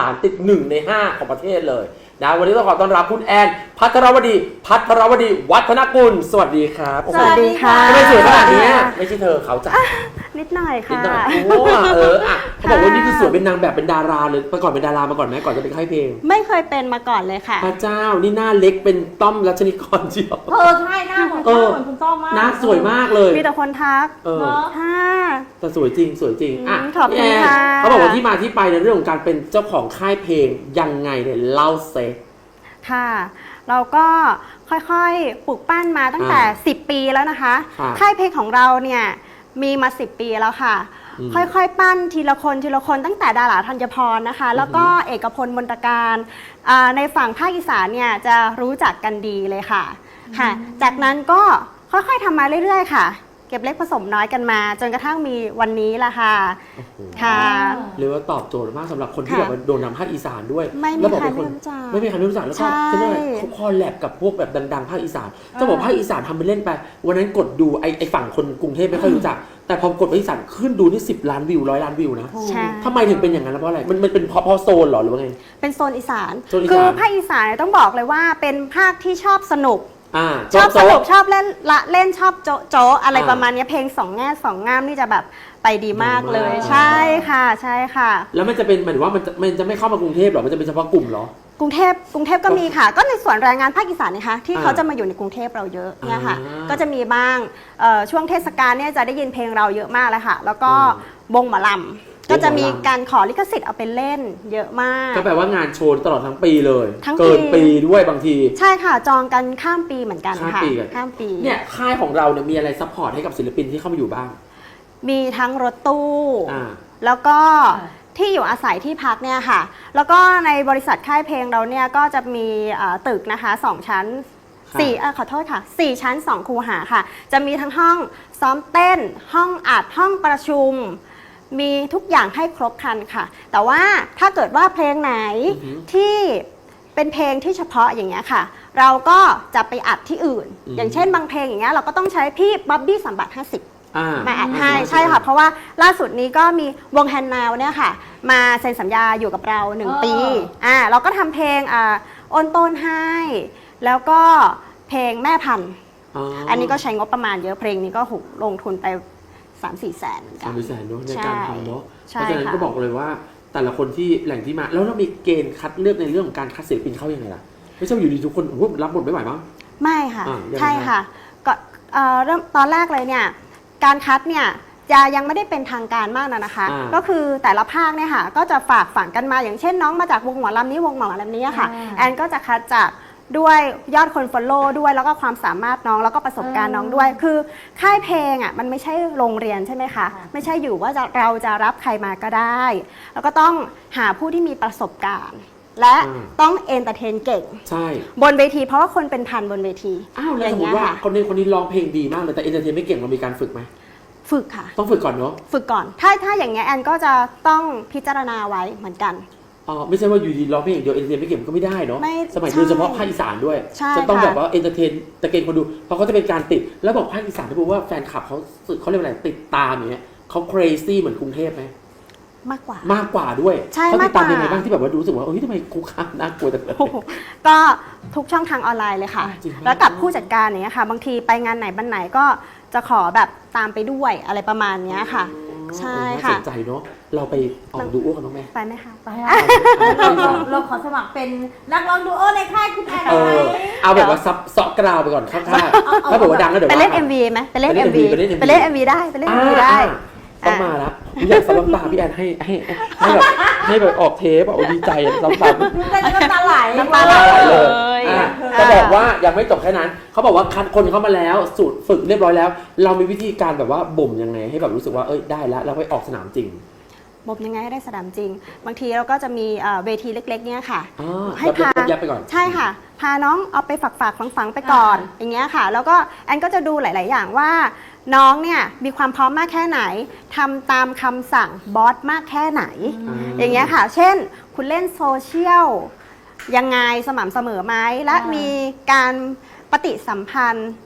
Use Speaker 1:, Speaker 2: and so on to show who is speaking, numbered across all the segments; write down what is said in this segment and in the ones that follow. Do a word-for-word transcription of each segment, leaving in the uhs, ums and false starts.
Speaker 1: ฐานติดหนึ่งในห้าของประเทศเลยนะวันนี้ต้องขอต้อนรับคุณแอนภัทรวดีภัทรวดีวัฒนกุลสวัสดีครับ
Speaker 2: สวัสดีค่ะ
Speaker 1: ทำไมสวยขนาดนี้ไม่ใช่เธอเขาจ้ะ
Speaker 2: นิดหน่อยค่ะ
Speaker 1: นิดหน่อยโอ้เอออ่ะเขาบอกว่านี่คือสวยเป็นนางแบบเป็นดาราเลยไปก่อนเป็นดารามาก่อนไหมก่อนจะเป็นค่ายเพลง
Speaker 2: ไม่เคยเป็นมาก่อนเลยค่ะ
Speaker 1: พระเจ้านี่หน้าเล็กเป็นต้อมรัชนิกรเชียว
Speaker 3: เออใช่หน้าเหมือนต้อมเหมือนคุณต้อมมาก
Speaker 1: หน้าสวยมากเลย
Speaker 2: มีแต่คนทัก
Speaker 1: เออ
Speaker 2: ค่ะ
Speaker 1: แต่สวยจริงสวยจริงอ่ะ
Speaker 2: ขอบคุณค่ะ
Speaker 1: เขาบอกว่าที่มาที่ไปในเรื่องของการเป็นเจ้าของค่ายเพลงยังไงเนี่ยเล่าเซ
Speaker 2: ค่ะเราก็ค่อยๆปลูกปั้นมาตั้งแต่สิบปีแล้วนะคะค่ายเพลงของเราเนี่ยมีมาสิบปีแล้วค่ะค่อยๆปั้นทีละคนทีละคนตั้งแต่ดาราธัญพรนะคะแล้วก็เอกพลมนตการในฝั่งภาคอีสานเนี่ยจะรู้จักกันดีเลยค่ะค่ะจากนั้นก็ค่อยๆทำมาเรื่อยๆค่ะเก็บเล็กผสมน้อยกันมาจนกระทั่งมีวันนี้ละค่ะค่ะ
Speaker 1: เรียกว่าตอบโจทย์มากสำหรับคนที่แบบโดนนำภาคอีสานด้วย
Speaker 2: ไม่มีใครไม่รู้จัก
Speaker 1: ไม่มีใครไม่รู้จักแล้วก็ใช่ไหมเขาคอลแลบกับพวกแบบดังๆภาคอีสานจะบอกภาคอีสานทำไปเล่นไปวันนั้นกดดูไอ้ไอ้ฝั่งคนกรุงเทพไม่ค่อยรู้จักแต่พอกดภาคอีสานขึ้นดูนี่สิบล้านวิวร้อยล้านวิวนะทำไมถึงเป็นอย่างนั้นเพราะอะไรมันมันเป็นเพราะเพราะโซนหรอหรือว่าไง
Speaker 2: เป็นโซนอีสานคือภาคอีสานต้องบอกเลยว่าเป็นภาคที่ชอบสนุกชอบสนุกชอบเล่นละเล่นชอบโจ๊ะโจ๊ะอะไรประมาณนี้เพลงสองแง่สองงามนี่จะแบบไปดีมากเลยใช่ค่ะใช่ค่ะ
Speaker 1: แล้วมันจะเป็นหมายถึงว่ามันจะมันจะไม่เข้ามากรุงเทพหรอมันจะเป็นเฉพาะกลุ่มหร
Speaker 2: อกรุงเทพกรุงเทพก็มีค่ะก็ในส่วนแรงงานภาคอีสานนะคะที่เขาจะมาอยู่ในกรุงเทพเราเยอะเนี่ยค่ะก็จะมีบ้างช่วงเทศกาลเนี่ยจะได้ยินเพลงเราเยอะมากเลยค่ะแล้วก็วงหมอลำก็จะมีการขอลิขสิทธิ์เอาไปเล่นเยอะมาก
Speaker 1: ก็แปลว่างานโชว์ตลอดทั้งปีเลยเกินปีด้วยบางที
Speaker 2: ใช่ค่ะจองกันข้ามปีเหมือนกันค่ะข้ามปี
Speaker 1: เนี่ยค่ายของเราเนี่ยมีอะไรซัพพอร์ตให้กับศิลปินที่เข้ามาอยู่บ้าง
Speaker 2: มีทั้งรถตู้แล้วก็ที่อยู่อาศัยที่พักเนี่ยค่ะแล้วก็ในบริษัทค่ายเพลงเราเนี่ยก็จะมีตึกนะคะสองชั้นสี่ขอโทษค่ะสี่ชั้นสองคูหาค่ะจะมีทั้งห้องซ้อมเต้นห้องอัดห้องประชุมมีทุกอย่างให้ครบครันค่ะแต่ว่าถ้าเกิดว่าเพลงไหนที่เป็นเพลงที่เฉพาะอย่างเงี้ยค่ะเราก็จะไปอัดที่อื่นอย่างเช่นบางเพลงอย่างเงี้ยเราก็ต้องใช้พี่บ๊อบบี้สัมบัติห้าสิบมาอัดให้ใช่ค่ะเพราะว่าล่าสุดนี้ก็มีวงแฮนนาวเนี่ยค่ะมาเซ็นสัญญาอยู่กับเราหนึ่งปีอ่าเราก็ทำเพลงอ่าโอนต้นให้แล้วก็เพลงแม่พันธุ์อันนี้ก็ใช้งบประมาณเยอะเพลงนี้ก็ลงทุนไปสามสี่แสน
Speaker 1: สามสี่แสนเนาะในการทำเนาะเพราะฉะนั้นก็บอกเลยว่าแต่ละคนที่แหล่งที่มาแล้วเรามีเกณฑ์คัดเลือกในเรื่องของการคัดศิลปินเข้ายังไงล่ะไม่ใช่อยู่ดีทุกคนรับบทไม่ไหวมั้ง
Speaker 2: ไม่ค่ะใช่ค่ะก็เริ่มตอนแรกเลยเนี่ยการคัดเนี่ยจะยังไม่ได้เป็นทางการมากนะนะคะก็คือแต่ละภาคเนี่ยค่ะก็จะฝากฝังกันมาอย่างเช่นน้องมาจากวงหมอลำนี้วงหมอลำนี้ค่ะแอนก็จะคัดจากด้วยยอดคนฟอลโล่ด้วยแล้วก็ความสามารถน้องแล้วก็ประสบการณ์น้องด้วยคือค่ายเพลงอ่ะมันไม่ใช่โรงเรียนใช่ไหมคะไม่ใช่อยู่ว่าเราจะรับใครมาก็ได้แล้วก็ต้องหาผู้ที่มีประสบการณ์และต้องเอนเตอร์เทนเก่ง
Speaker 1: ใช่
Speaker 2: บนเวทีเพราะว่าคนเป็นพันบนเวที
Speaker 1: อ้าวแล้วสมมติว่าคนนี้คนนี้ร้องเพลงดีมากเลยแต่เอนเตอร์เทนไม่เก่งเรามีการฝึกไหม
Speaker 2: ฝึกค่ะ
Speaker 1: ต้องฝึกก่อนเนาะ
Speaker 2: ฝึกก่อนถ้าถ้าอย่างเงี้ยแอนก็จะต้องพิจารณาไว้เหมือนกัน
Speaker 1: อ๋อไม่ใช่ว่าอยู่ดีร้องเพลงอย่างเดียวเอนเตอร์เทนไม่เก่งก็ไม่ได้เนาะสมัยโดยเฉพาะภาคอีสานด้วยจะต้องแบบว่าเอนเตอร์เทนตะเกงคนดูเพราะเขาจะเป็นการติดแล้วบอกภาคอีสานที่บอกว่าแฟนคลับเขาเขาเรียกอะไรติดตามอย่างเงี้ยเขา crazy เหมือนกรุงเทพไหม
Speaker 2: มากกว่าม
Speaker 1: ากกว่าด้วยเขาติดตามยังไงบ้างที่แบบว่ารู้สึกว่าเฮ้ยทำไมคุกคามน่ากลัวแต่
Speaker 2: ก็ทุกช่องทางออนไลน์เลยค่ะแล้วกับผู้จัดการอย่างเงี้ยค่ะบางทีไปงานไหนบ้านไหนก็จะขอแบบตามไปด้วยอะไรประมาณนี้ค่ะใช่ค่ะ
Speaker 1: สนใจเนาะเราไปออกดูโอ้กันบ้างไหม
Speaker 2: ไปไหมคะ
Speaker 3: ไปเราขอสมัครเป็นนักร้องดูโอในค่ายคุณแอน
Speaker 1: เออเอาแบบว่าซับเซาะกราวไปก่อนข้างๆถ้าบอกว่าดังก็เดี๋ยว
Speaker 2: ไปเล่น เอ็ม วี ไหมไปเล่น เอ็ม วี ไปเล่น เอ็ม วี ได้ไปเล่น เอ็ม วี ได้
Speaker 1: ต้องมาแล้วอยากซับน้ำตาพี่แอนให้ให้ให้แบบให้แบบออกเทปอ่ะดีใจซับน้ำตา
Speaker 3: น้ำตาไหล
Speaker 2: น้ำตาไหลเลย
Speaker 1: จะบอกว่ายังไม่จบแค่นั้นเขาบอกว่าคัดคนเข้ามาแล้วสูตรฝึกเรียบร้อยแล้วเรามีวิธีการแบบว่าบ่มยังไงให้แบบรู้สึกว่าเอ้ยได้แล้วเราไปออกสนามจริง
Speaker 2: บ่มยังไงให้ได้สนามจริงบางทีเราก็จะมีเวทีเล็กๆเนี่ยค่ะ
Speaker 1: ให้พายับไปก่อน
Speaker 2: ใช่ค่ะพาน้องเอาไปฝากฝากฝังๆไปก่อนอย่างเงี้ยค่ะแล้วก็แอนก็จะดูหลายๆอย่างว่าน้องเนี่ยมีความพร้อมมากแค่ไหนทำตามคำสั่งบอสมากแค่ไหนอย่างเงี้ยค่ะเช่นคุณเล่นโซเชียลยังไงสม่ำเสมอไหมและมีการปฏิสัมพันธ์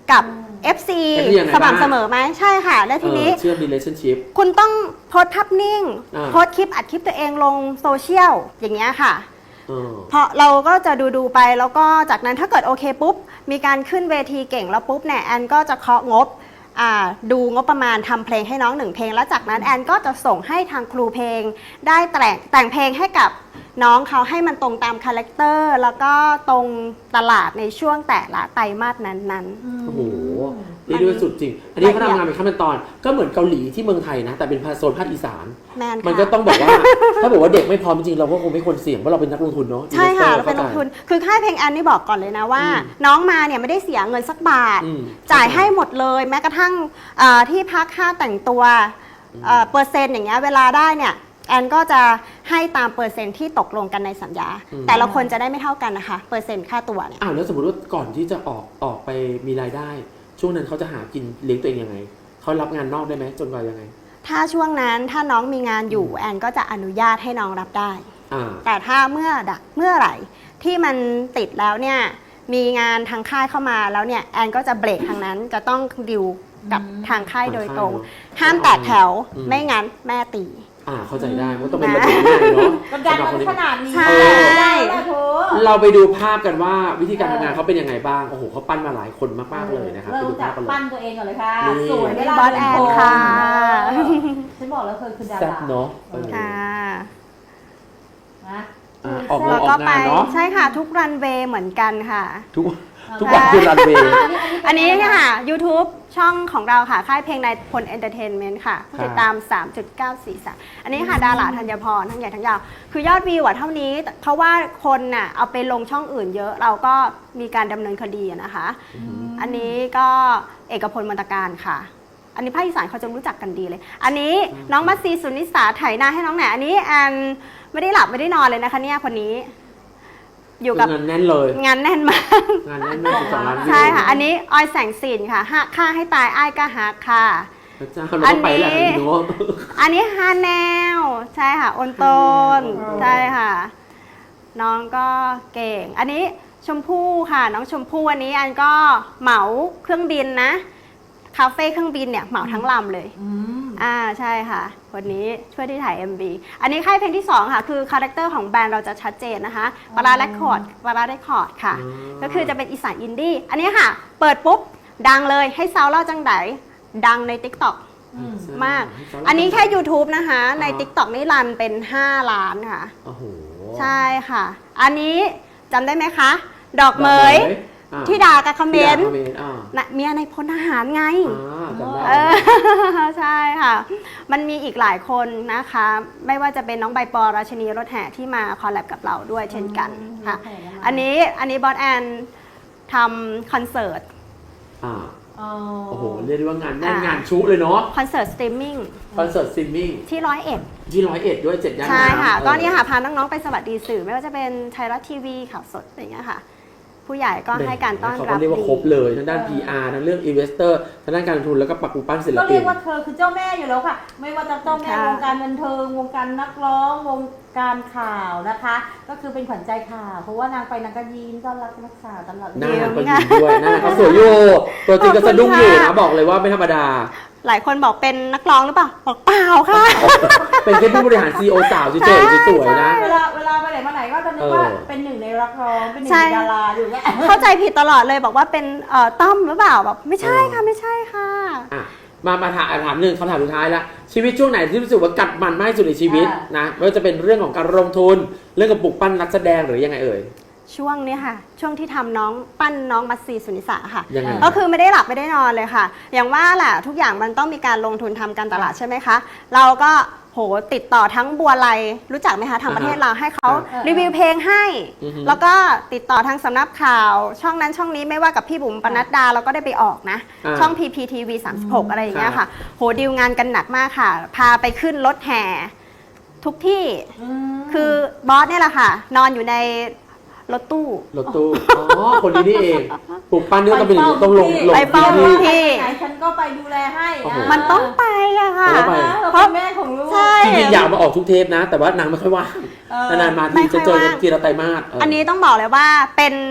Speaker 2: กับ เอฟ ซี
Speaker 1: เอฟ ซี ยังไง
Speaker 2: สม่ำ
Speaker 1: บ้าง
Speaker 2: เสมอไหมใช่ค่ะ แล้วทีนี้
Speaker 1: เออเชื่อม relationship
Speaker 2: คุณต้องโพสต์ภาพนิ่ง
Speaker 1: อ่า
Speaker 2: โพสต์คลิปอัดคลิปตัวเองลงโซเชียลอย่างเงี้ยค่ะ
Speaker 1: เออ
Speaker 2: เพราะเราก็จะดูดูๆไปแล้วก็จากนั้นถ้าเกิดโอเคปุ๊บ มีการขึ้นเวทีเก่งแล้วปุ๊บเนี่ยแอนก็จะเคาะงบอ่าดูงบประมาณทำเพลงให้น้องหนึ่งเพลง แล้วจากนั้นแอนก็จะส่งให้ทางครูเพลง ได้แต่งแต่งเพลงให้กับน้องเขาให้มันตรงตามคาแรคเตอร์แล้วก็ตรงตลาดในช่วงแต่ละไตรมาสนั้นๆ
Speaker 1: โอ้โหนี่ด้วยสุดจริง อันนี้เขาทำงานเป็นขั้นเป็นตอน ก็เหมือนเกาหลีที่เมืองไทยนะ แต่เป็นภาคโซนภาคอีสาน
Speaker 2: แมน
Speaker 1: มัน
Speaker 2: ค่ะ
Speaker 1: ก็ต้องบอกว่า ถ้าบอกว่าเด็กไม่พร้อมจริงๆเราก็คงไม่ควรเสี่ยงเพราะเราเป็นนักลงทุนเนาะ
Speaker 2: ใช่ค่ะ
Speaker 1: investor
Speaker 2: เราเป็นล
Speaker 1: ข้าง ใจ
Speaker 2: ทุน คือค่ายเพลงแอนนี่บอกก่อนเลยนะว่า
Speaker 1: อืม
Speaker 2: น้องมาเนี่ยไม่ได้เสียเงินสักบาท
Speaker 1: อืม
Speaker 2: จ่ายให้หมดเลยแม้กระทั่งเอ่อที่พักค่าแต่งตัวเอ่อเปอร์เซ็นต์อย่างเงี้ยเวลาได้เนี่ยแอนก็จะให้ตามเปอร์เซ็นต์ที่ตกลงกันในสัญญา
Speaker 1: อืม
Speaker 2: แต่ละคนจะได้ไม่เท่ากันนะคะ เปอร์เซ็นต์ค่าตัวเนี่ย
Speaker 1: อ้าวแล้วสมมติว่าก่อนที่จะออกออกไปมีรายได้ ช่วงนั้นเขาจะหากินเลี้ยงตัวเองยังไงเขารับงานนอกได้ไหมจนกว่ายังไง
Speaker 2: ถ้าช่วงนั้นถ้าน้องมีงานอยู่แอนก็จะอนุญาตให้น้องรับได้
Speaker 1: อ่า
Speaker 2: แต่ถ้าเมื่อดะเมื่อไหร่ที่มันติดแล้วเนี่ยมีงานทางค่ายเข้ามาแล้วเนี่ยแอนก็จะเบรกทางนั้นจะต้องดิวกับทางค่ายโดยตรง ห้ามแตกแถว
Speaker 1: อืม
Speaker 2: ไม่งั้นแม่ตี
Speaker 1: อ่าเข้าใจได้ว่าต้องเป็นระเบียบง่ายเนาะ
Speaker 3: กดดัน
Speaker 1: สำหรับ
Speaker 3: มา
Speaker 1: คนที่
Speaker 3: ขนาดนี้
Speaker 2: ใช่
Speaker 3: ได้แล้วโถ
Speaker 1: เราไปดูภาพกันว่าวิธีการทำงานเขาเป็นยังไงบ้าง โอ้โหเขาปั้นมาหลายคนมากๆเลยนะครับไป
Speaker 3: เริ่ม
Speaker 1: ดู
Speaker 3: จา
Speaker 1: ภาก พกันเล
Speaker 3: ปั้
Speaker 1: ย
Speaker 3: นตัวเองก่อนเลยค่ะ
Speaker 1: นี่
Speaker 3: สวย
Speaker 2: นี่บอสแอนค่ะ
Speaker 3: ฉันบอกแล้วเคยคือดา
Speaker 1: แซ่บ
Speaker 3: รา
Speaker 1: เนาะเออ
Speaker 2: ค่ะ
Speaker 3: นะ
Speaker 1: อ่าออกงา
Speaker 2: แล้
Speaker 1: น
Speaker 2: ว
Speaker 1: อ
Speaker 2: ก็
Speaker 1: อก
Speaker 2: ไป
Speaker 1: งานเนาะ
Speaker 2: ใช่ค่ะทุกรันเวย์เหมือนกันค่ะ
Speaker 1: ทุกทุกวันคือรันเวย์
Speaker 2: อันนี้ค่ะ YouTube ช่องของเราค่ะ ค่ายเพลงนายพลเอนเตอร์เทนเมนต์ค่ะผู้ติดตาม สามจุดเก้าสี่สาม อันนี้ค่ะดาราธัญพรทั้งใหญ่ทั้งยาว คือยอดวิวอะเท่านี้แต่เพราะว่าคนน่ะเอาไปลงช่องอื่นเยอะเราก็มีการดำเนินคดีอะนะคะ อันนี้ก็เอกพลมนตการค่ะ อันนี้ภาคอีสานเขาจะรู้จักกันดีเลย อันนี้น้องมัสซีสุนิสาไถนาให้น้องแหนอันนี้แอนไม่ได้หลับไม่ได้นอนเลยนะคะเนี่ยคนนี้ อยู่กับ
Speaker 1: งานแน่นเลย
Speaker 2: งานแน่นมาก
Speaker 1: งานแน่นมากสองล้านวิว
Speaker 2: ใช่ค่ะ อันนี้ออยแสงสินค่ะหักค่าให้ตายอ้ายก็หักค่ะ
Speaker 1: พระเจ้าเราต้องไปแหละ
Speaker 2: อันนี้
Speaker 1: พี่โน้ต
Speaker 2: อันนี้ฮาแนลใช่ค่ะอนโตน
Speaker 1: ฮาแนล
Speaker 2: ใช่ค่ะ น้องก็เก่ง อันนี้ชมพู่ค่ะ น้องชมพู่อันนี้อันก็เหมาเครื่องบินนะคาเฟ่เครื่องบินเนี่ยเหมาทั้งลำเลย
Speaker 3: อืม
Speaker 2: อ่าใช่ค่ะวันนี้ช่วยที่ถ่าย เอ็ม วี อันนี้ค่ายเพลงที่สองค่ะ คือคาแรคเตอร์ของแบรนด์เราจะชัดเจนนะคะปาราเรคคอร์ดปาราเรคคอร์ดค่ะ
Speaker 1: อืม
Speaker 2: ก็คือจะเป็นอีสานอินดี้อันนี้ค่ะ เปิดปุ๊บ ดังเลยให้ซาวเล่าจังไดดังใน TikTok
Speaker 3: อืม
Speaker 2: มาก อันนี้แค่ YouTube นะคะ ใน TikTok นี่รันเป็น ห้า ล้านค่ะ
Speaker 1: โอ้โห
Speaker 2: ใช่ค่ะ อันนี้จำได้ไหมคะ ดอกเหมย
Speaker 1: อ่า
Speaker 2: ที่ด่ากับคอมเม
Speaker 1: ที่ด่าน
Speaker 2: ต์
Speaker 1: คอมเมนต์อ่า
Speaker 2: นะเมียในพลทหารไง
Speaker 1: อ่าจำได้
Speaker 2: เออ ใช่ค่ะ มันมีอีกหลายคนนะคะ ไม่ว่าจะเป็นน้องใบปอราชินีรถแห่ที่มาคอลแลบกับเราด้วยเช่นกันค่ะ
Speaker 3: อืม
Speaker 2: อันนี้อันนี้บอสแอนทำคอนเสิร์ต
Speaker 1: อ่า
Speaker 3: อ๋อ
Speaker 1: โอ้โหเรียกได้ว่างานแน่น
Speaker 2: อ่าง
Speaker 1: งานชุเลยเนาะ
Speaker 2: คอนเสิร์ตสตรีมมิ่ง
Speaker 1: คอนเสิร์ตซิมมิ่ง
Speaker 2: ที่ร้อยเอ็ด
Speaker 1: ที่ร้อยเอ็ดด้วยเจ็ดย่าน
Speaker 2: ใช่ค่ะ
Speaker 1: ำ
Speaker 2: ก็นี่ค่ะพาน้องๆไปสวัสดีสื่อ ไม่ว่าจะเป็นไทยรัฐทีวีข่าวสดอะไรอย่างเงี้ยค่ะ ผู้ใหญ่ก็ให้การต้อน
Speaker 1: เขา
Speaker 2: รับ
Speaker 1: ก็เรียกว่า
Speaker 2: ดี
Speaker 1: ครบเลยทั้งด้าน พี อาร์ ทั้งเรื่อง Investor ทั้งด้านการลงทุนแล้วก็ปักปูปั้นศิล
Speaker 3: ก็
Speaker 1: ปิ
Speaker 3: เรีย
Speaker 1: น
Speaker 3: กว่าเธอคือเจ้าแม่อยู่แล้วค่ะ ไม่ว่าจะเจ้าแม่
Speaker 2: ค่ะ
Speaker 3: วงการบันเทิงวงการนักร้องวงการข่าวนะคะ ก็คือเป็นขวัญใจข่าว เพราะว่านางไปนางก็ยิ้มต้อนรับนักข่าวตลอด
Speaker 1: หน้าก็ยิ้มด้วยหน้าก็สวยอยู่ตัวจริงก็สะดุ้งอยู่นะบอกเลยว่าไม่ธรรมดา
Speaker 2: หลายคนบอกเป็นนักร้องหรือเปล่า บอกเปล่าค่ะ
Speaker 1: เป็นแค่ผู้บริหาร ซี อี โอ สาวเฉยๆสวยๆนะ
Speaker 3: เวลาเวลาไปไหนมาไหนก็จะนึกว่า
Speaker 1: เออ
Speaker 3: เป็นหนึ่งในรักร้องเป็นหนึ่ง
Speaker 2: ใช่
Speaker 3: ในดาราอยู่เนี่ย
Speaker 2: เข้าใจผิดตลอดเลยบอกว่าเป็นเอ่อต้อมหรือเปล่าแบบไม่ใช่ค่ะไม่ใช่ค่ะ
Speaker 1: อ่ะมามาถามถามหนึ่งคำถามสุดท้ายละชีวิตช่วงไหนที่รู้สึกว่ากัดมันมากที่สุดในชีวิต
Speaker 3: อ่าน
Speaker 1: นะไม่ว่าจะเป็นเรื่องของการลงทุนเรื่องกับปลุกปั้นนักแสดงหรือยังไงเอ่ย
Speaker 2: ช่วงนี้ค่ะ ช่วงที่ทำน้องปั้นน้องมัสซีสุนิสาค่ะ
Speaker 1: ยังไง
Speaker 2: ก็คือไม่ได้หลับไม่ได้นอนเลยค่ะ อย่างว่าแหละทุกอย่างมันต้องมีการลงทุนทำการตลาดใช่ไหมคะ เราก็โหติดต่อทั้งบัวไลรู้จักไหมคะทางประเทศเราให้เขา
Speaker 3: อ่า
Speaker 2: รีวิวเพลงให้
Speaker 1: อือฮึ
Speaker 2: แล้วก็ติดต่อทางสำนักข่าว ช่องนั้นช่องนี้ไม่ว่ากับพี่บุ๋มปนัดดาเราก็ได้ไปออกนะ
Speaker 1: อ่า
Speaker 2: ช่อง พี พี ที วี สามสิบหก อะไรอย่างเงี้ย
Speaker 1: ครั
Speaker 2: ค่ะ
Speaker 1: บ
Speaker 2: โหดีลงานกันหนักมากค่ะ พาไปขึ้นรถแห่ทุกที่
Speaker 3: อืม
Speaker 2: คือบอสเนี่ยแหละค่ะ นอนอยู่ในรถตู้
Speaker 1: รถตู้อ๋อคนนี้นี่เองปลุกปั้นนี่ต้องเป็นอย่างนี้ต้องลงลง
Speaker 2: ไปเฝ้า
Speaker 1: พื้น
Speaker 2: ทุ
Speaker 1: ที่
Speaker 2: ก
Speaker 3: ไหนฉันก็ไปดูแลให้
Speaker 1: โอ้โห
Speaker 3: ะ
Speaker 2: มันต้องไปอะค่ะ
Speaker 1: ต้องไป
Speaker 3: เพราะแม่ของลูก
Speaker 2: ใช่
Speaker 1: จริงๆอยากมาออกทุกเทปนะ แต่ว่านางไม่ค่อยว่าง
Speaker 3: เออน
Speaker 1: านๆมา
Speaker 2: ไม่
Speaker 1: ที
Speaker 2: ค่
Speaker 1: จะ
Speaker 2: อย
Speaker 1: เจอ
Speaker 2: ว่าง
Speaker 1: ทีละไตรมาสเ
Speaker 2: อันนี้ต้องบอกเลยว่าเป็น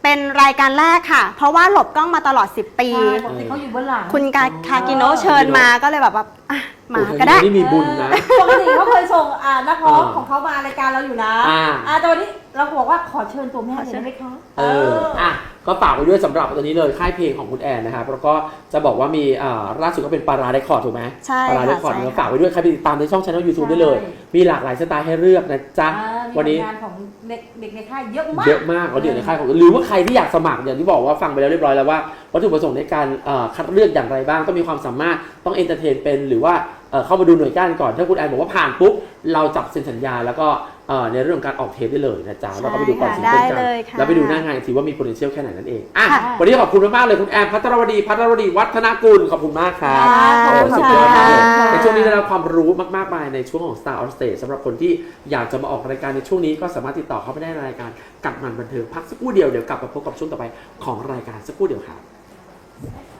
Speaker 2: เป็นรายการแรกค่ะ เพราะว่าหลบกล้องมาตลอด สิบ ปี
Speaker 3: ใช่ปกติเขาอยู่เบื้องหลัง
Speaker 2: คุณกาคากิโนะเชิญมาก็เลยแบบว่าอ่ะมา
Speaker 1: โอ้โห
Speaker 2: ก็ได้
Speaker 1: นี่มีบุญนะ
Speaker 3: ปกติเขาเคยส่งอ่านักร้อง
Speaker 1: อ่า
Speaker 3: ของเขามารายการเราอยู่นะ
Speaker 1: อ่า
Speaker 3: อ่าแต่วันนี้เราบอกว่าขอเชิญตัวแม่เลยได้ไหมคะ
Speaker 1: เอออ่ะก็ฝากไว้ด้วยสำหรับตัวนี้เลยค่ายเพลงของคุณแอนนะครับแล้วก็จะบอกว่ามีอ่าล่าสุดก็เป็นปาราไดคอร์ดถูกไหม
Speaker 2: ใช่
Speaker 1: ปาราไดคอร์ด
Speaker 2: ค่ะใช่
Speaker 1: ก็ฝากไว้ด้วยใครไปติดตามในช่องช anel YouTube ได้เลย
Speaker 3: ใช่
Speaker 1: มีหลากหลายสไตล์ให้เลือกนะจ๊ะ
Speaker 3: อ่ามี
Speaker 1: วันนี้
Speaker 3: ผลงานของเด็กเด็กในค่ายเยอะมาก
Speaker 1: เยอะมากเราเดี๋ยวในค่ายของหรือว่าใครที่อยากสมัครอย่างที่บอกว่าฟังไปแล้วเรียบร้อยแล้วว่าวัตถุประสงค์ในการเอ่อคัดเลือกอย่างไรบ้างต้องมีความสามารถต้องเอนเตอร์เทนเป็นหรือว่าเอ่อเข้ามาดูหน่วยก้านก่อนถ้าคุณแอนบอกว่าผ่านปุ๊บเราจับเซ็นสัญญาแล้วก็เอ่อในเรื่องของการออกเทปได้เลยนะจ๊ะแล้วก็ไปดูก่อนซิงเกิลกัน
Speaker 2: ได้เลยค่ะ
Speaker 1: แล้วไปดูหน้างานอีกทีว่ามี potential แค่ไหนนั่นเองอ่ะ
Speaker 2: ค่ะ
Speaker 1: วันนี้ขอบคุณมากๆเลยคุณแอนพัทรวดีพัทรวดีวัฒนกุลขอบคุณมากครับ
Speaker 2: ค่ะ
Speaker 1: โอ้
Speaker 2: ขอบ
Speaker 1: สุ
Speaker 2: คุ
Speaker 1: ด
Speaker 2: ณ
Speaker 1: ยอดมากเลย
Speaker 2: ค่ะ
Speaker 1: ในช่วงนี้ได้รับความรู้มากๆมายในช่วงของ Star on Stage สำหรับคนที่อยากจะมาออกรายการในช่วงนี้ก็สามารถติดต่อเข้าไปได้ในรายการกัดมันบันเทิงพักสักครู่เดียวเดี๋ยวกลับมาพบกับช่วงต่อไปของรายการสักครู่เดียวครับ